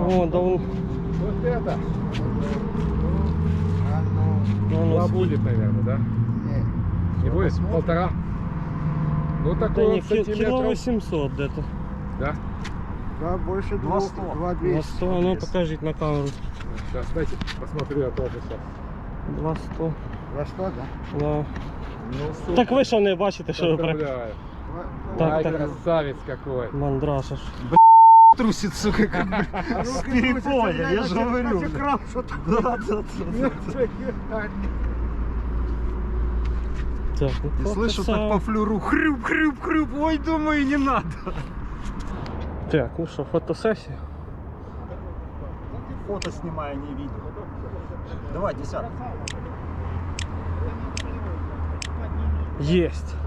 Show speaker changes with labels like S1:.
S1: О, да он...
S2: Вот это.
S1: Ну,
S2: Два будет, наверное, да? Не будет? Полтора? Ну
S1: да
S2: такой
S1: не,
S2: вот
S1: кило
S2: сантиметров.
S1: 800 где-то.
S2: Да?
S3: Да, больше
S4: 200.
S3: 200.
S1: На 100, ну покажите на камеру.
S2: Сейчас, дайте посмотрю я тоже сейчас.
S1: 200,
S3: 200, да?
S1: да.
S2: Ну, супер.
S1: Так ви що не бачите, що ви про...
S2: Поздравляю.
S1: Так,
S2: Ай,
S1: так.
S2: красавец какой.
S1: Мандраша ж.
S4: Трусит, сука, как с перепоя, я же говорю. Да.
S1: Так,
S4: И
S1: ну,
S4: слышу так по флюру, хрюп. Ой, думаю, не надо.
S1: Так, ну що, фотосесія?
S4: Фото снимаю, не видео. Давай, десятку.
S1: Єсть.